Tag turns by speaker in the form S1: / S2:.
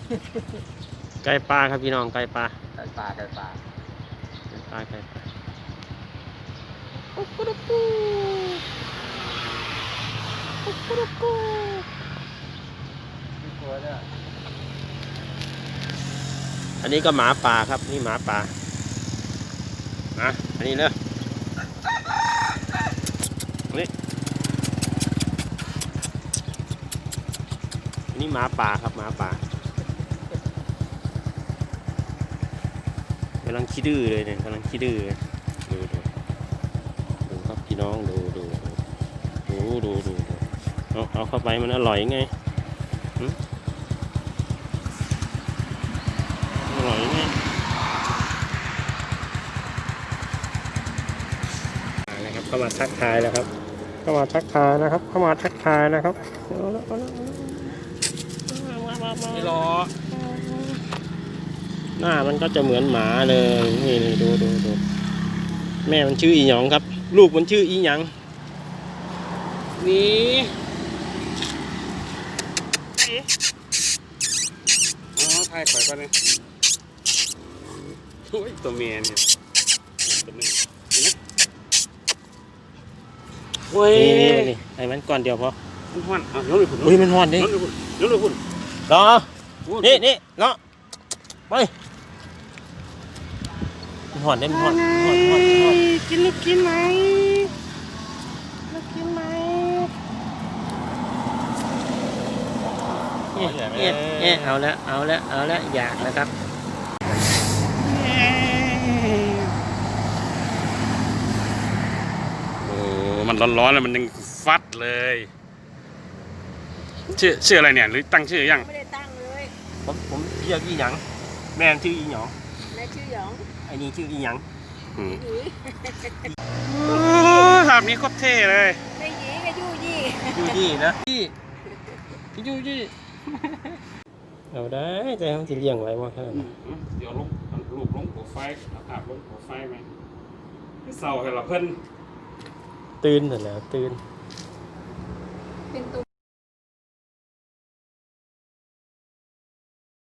S1: ไก่ปลาครับพี่น้องไก่ปลา
S2: ไก่ปลาไก่ปลา
S1: ไก่ปลาไก่ปลา
S2: ไม่กลัวเนี่ย
S1: อันนี้ก็หมาป่าครับนี่หมาป่านะอันนี้เนอะนี่อันนี้หมาป่าครับหมาป่ากำลังขี้ดื้อเลยเนี่ยกำลังขี้ดื้อดูครับพี่น้องดูเอาเข้าไปมันอร่อยไงอร่อยไงนะครับเข้ามาทักทายแล้วครับเข้ามาทักทายนะครับเข้ามาทักทายนะครับ
S2: ไม่รอ
S1: หน้ามันก็จะเหมือนหมาเลยนี่ดูแม่มันชื่ออีหยองครับลูกมันชื่ออีหยังนี่
S2: อ๋อถ่ายปล่อยก่อนเลยโอ้ยตัวเมียเนี่ยตัวหนึ่งนี่นะโอ้ย
S1: นี่ไอ้มันก่อนเดียวพอ
S2: มันห้อนอ่ะยกเลยคุณ
S1: อุ้ยมันห้อนดิ
S2: ยกเลยคุณ
S1: รอนี่เนาะไปมันห้อนได้มันห้อน
S2: กินลูกกินไหม
S1: เอาแล้วอยากนะครับ
S2: โอ้มันร้อนๆแล้วมันยังฟัดเลยชื่ออะไรเนี่ยหรือตั้งชื่อยัง
S3: ไม่ได้ตั้งเลย
S1: ผมเรียกอีหยังแม่ชื่ออีหยอง
S3: แม่ชื่อหยอง
S1: ไอ้นี่ชื่ออีหยัง
S3: หยี
S2: ภาพนี้โคตรเท่เลย
S3: แม่หยีกับยู่ยี่
S1: ยูยี่นะยูยี่เอาได้แต่เขาจะเลี้ยงไว้ว่าแค่นั้น
S2: เดี๋ยวรูปลงโปรไฟล์ภาพลงโปรไฟล์ไหมเศร้าให้เราเพิ่น
S1: ตื่นเสร็จแล้วตื่น
S3: เป็นตัว